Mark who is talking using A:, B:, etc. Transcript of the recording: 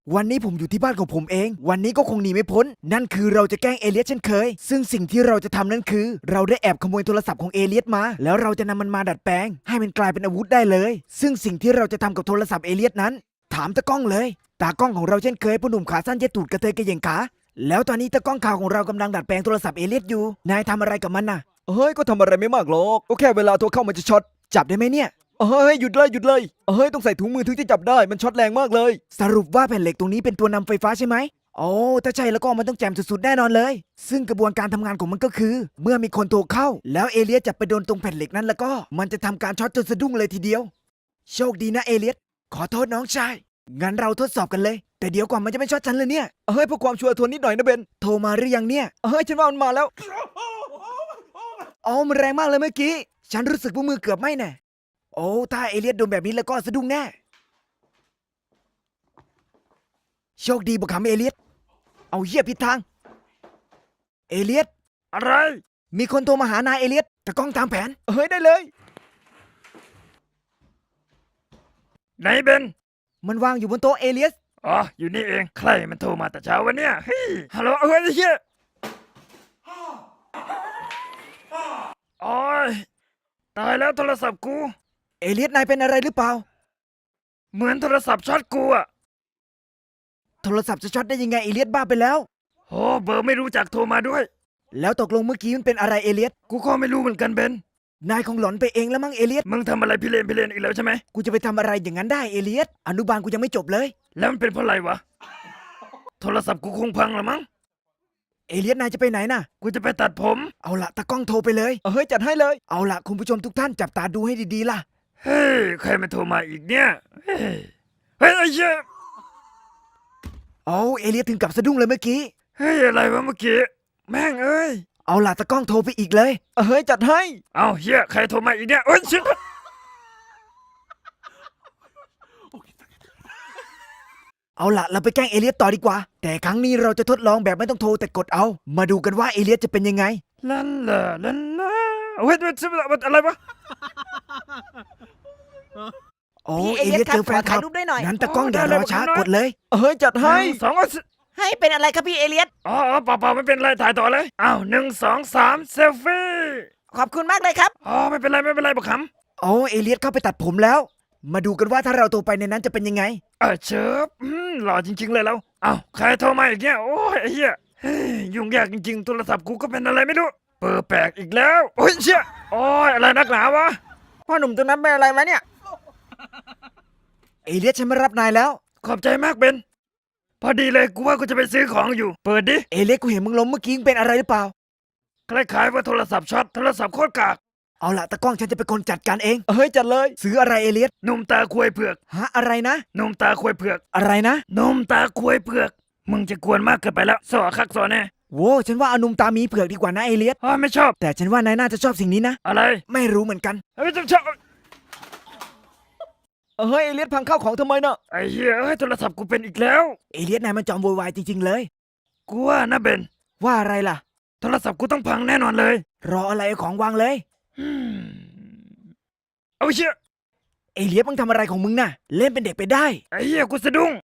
A: วันนี้ผมอยู่ที่บ้านของผมเอง วันนี้ก็คงหนีไม่พ้นนั่นคือเราจะแกล้งเอเลียสเช่นเคยซึ่งสิ่งที่เราจะทำนั่นคือเราได้แอบขโมยโทรศัพท์ของเอเลียสมาแล้วเราจะนำมันมาดัดแปลงให้มันกลายเป็นอาวุธได้เลยซึ่งสิ่งที่เราจะทำกับโทรศัพท์เอเลียสนั้นถามตากล้องเลยตากล้องของเราเช่นเคยผู้หนุ่มขาสั้นเย็ดตูดกระเทยกระเหยงขาแล้วตอนนี้ตากล้องข่าวของเรากำลังดัดแปลงโทรศัพท์เอเลียสอยู่นายทำอะไรกับมันน่ะเฮ้ยก็ทำอะไรไม่มากหรอกก็แค่เวลาโทรเข้ามันจะช็อตจับได้ไหมเนี่ยเฮ้ยหยุดเลยต้องใส่ถุงมือถึงจะจับได้มันช็อตแรงมากเลยสรุปว่าแผ่นเหล็กตรงนี้เป็นตัวนำไฟฟ้าใช่ไหมโอ้ถ้าใช่แล้วก็มันต้องแจ่มสุดๆแน่นอนเลยซึ่งกระบวนการทำงานของมันก็คือเมื่อมีคนโทรเข้าแล้วเอเลียสจับไปโดนตรงแผ่นเหล็กนั้นแล้วก็มันจะทำการช็อตจนสะดุ้งเลยทีเดียวโชคดีนะเอเลียสขอโทษน้องชายงั้นเราทดสอบกันเลยแต่เดี๋ยวก่อนมันจะไม่ช็อตฉันเลยเนี่ยเฮ้ยเพื่อความชัวร์ทวนนิดหน่อยนะเบนโทรมาหรือยังเนี่ยเฮ้ยฉันว่ามันมาแล้วอ๋อมันแรงมากเลยเมื่อกี้ฉันรู้สึกว่ามือเกือบไหม้แน่โอ้ถ้าเอเลียสโดนแบบนี้แล้วก็สะดุ้งแน่โชคดีบุกขำเอเลียสเอาเหี้ยผิดทางเอเลียสอะไรมีคนโทรมาหานายเอเลียสแต่กล้องตามแผนเฮ้ยได้เลยไหนเบนมันวางอยู่บนโต๊ะเอเลียส
B: อ๋ออยู่นี่เองใครมันโทรมาแต่เช้าวันเนี้ยเฮ้ยฮัลโหลเฮ้ยไอ้เหี้ยโอ้ยตายแล้วโทรศัพท์กู
A: เอเลียสนายเป็นอะไรหรือเปล่า
B: เหมือนโทรศัพท์ช็อตกูอะ
A: โทรศัพท์จะช็อตได้ยังไงเอเลียสบ้าไปแล้ว
B: โอ้เบอร์ไม่รู้จักโทรมาด้วย
A: แล้วตกลงเมื่อกี้มันเป็นอะไรเอเลียส
B: กูก็ไม่รู้เหมือนกันเบน
A: นายคงหลอนไปเองแล้วมั้งเอเลียส
B: มึงทำอะไรพิเรนอีกแล้วใช่ไหม
A: กูจะไปทำอะไรอย่างนั้นได้เอเลียสอนุบาลกูยังไม่จบเลย
B: แล้วมันเป็นเพราะอะไรวะโทรศัพท์กูคงพังละมั้ง
A: เอเลียสนายจะไปไหนน่ะ
B: กูจะไปตัดผม
A: เอาละตากล้องโทรไปเลยเฮ้ยจัดให้เลยเอาละคุณผู้ชมทุกท่านจับตาดูให้ดีๆล่ะ
B: เฮ้ยใครมันโทรมาอีกเนี่ยเฮ้ยไอ้เหี้ย
A: โอ้เอเลียสถึงกับสะดุ้งเลยเมื่อกี้
B: เฮ้ยอะไรวะเมื่อกี้แม่งเอ้ย
A: เอาล่ะตากล้องโทรไปอีกเลยเฮ้ยจัดให้
B: เอาเฮียใครโทรมาอีกเนี่ยโอ้ยชิบ
A: เอาล่ะเราไปแกล้งเอเลียสต่อดีกว่าแต่ครั้งนี้เราจะทดลองแบบไม่ต้องโทรแต่กดเอามาดูกันว่าเอเลียสจะเป็นยังไง
B: ลันล่ะลันล่ะเฮ้ยอะไรวะ
A: โอ้เอเลียสเจอแฟนคลับงั้นตากล้องอย่ารอช้ากดเลยเฮ้ยจัดให้
B: สอง
C: ให้เป็นอะไรครับพี่เอเลียส
B: อ๋อเปล่าไม่เป็นไรถ่ายต่อเลยอ้าว1 2 3เซลฟี่
C: ขอบคุณมากเลยครับ
B: อ๋อไม่เป็นไรบักข
A: โอ้เอเลียสเข้าไปตัดผมแล้วมาดูกันว่าถ้าเราโทรไปในนั้นจะเป็นยังไง
B: เชิบหล่อจริงๆเลยแล้วอ้าวใครโทรมาอีกเนี่ยโอ้ยไอ้เหี้ยเฮ้ยยุ่งยากจริงๆโทรศัพท์กูก็เป็นอะไรไม่รู้เปิดแปลกอีกแล้วโอ้ยเชี่ยโอ้ยอะไรนักหนาวะ
C: พ่อหนุ่มตรงนั้นเป็นอะไรมาเนี่ย
A: เอเลียสฉันมารับนายแล้ว
B: ขอบใจมากเบนพอดีเลยกูว่ากูจะไปซื้อของอยู่เปิดดิ
A: เอเลียสกูเห็นมึงล้มเมื่อกี้เป็นอะไรหรือเปล่า
B: คล้ายๆว่าโทรศัพท์ช็อตโทรศัพท์โคตรกาก
A: เอาล่ะตากล้องฉันจะเป็นคนจัดการเองเฮ้ยจัดเลยซื้ออะไรเอเลียส
B: หนุ่มตาควยเผือก
A: ฮะอะไรนะ
B: หนุ่มตาควยเผือก
A: อะไรนะ
B: หนุ่มตาควยเผือกมึงจะกวนมากเกินไปแล้วสอคักสอแน่
A: โว้ฉันว่าเอานุ่มตามีเผือกดีกว่านะเอเลียส
B: ไม่ชอบ
A: แต่ฉันว่านายน่าจะชอบสิ่งนี้นะ
B: อะไร
A: ไม่รู้เหมือนกัน
B: ไม่ชอบ
A: เฮ้ยเอเลียสพังข้าวของทำไมเนาะ
B: ไอ้เหี้ยโทรศัพท์กูเป็นอีกแล้ว
A: เอเลียสนายมันจอมโวยวายจริงๆเลย
B: กูว่านะเบน
A: ว่าอะไรล่ะ
B: โทรศัพท์กูต้องพังแน่นอนเลย
A: รออะไรของวางเลย
B: เอาเชี่ย
A: เอเลียสมึงทำอะไรของมึงน่ะเล่นเป็นเด็กไปได้
B: ไอ้เหี้ยกูสะดุ้ง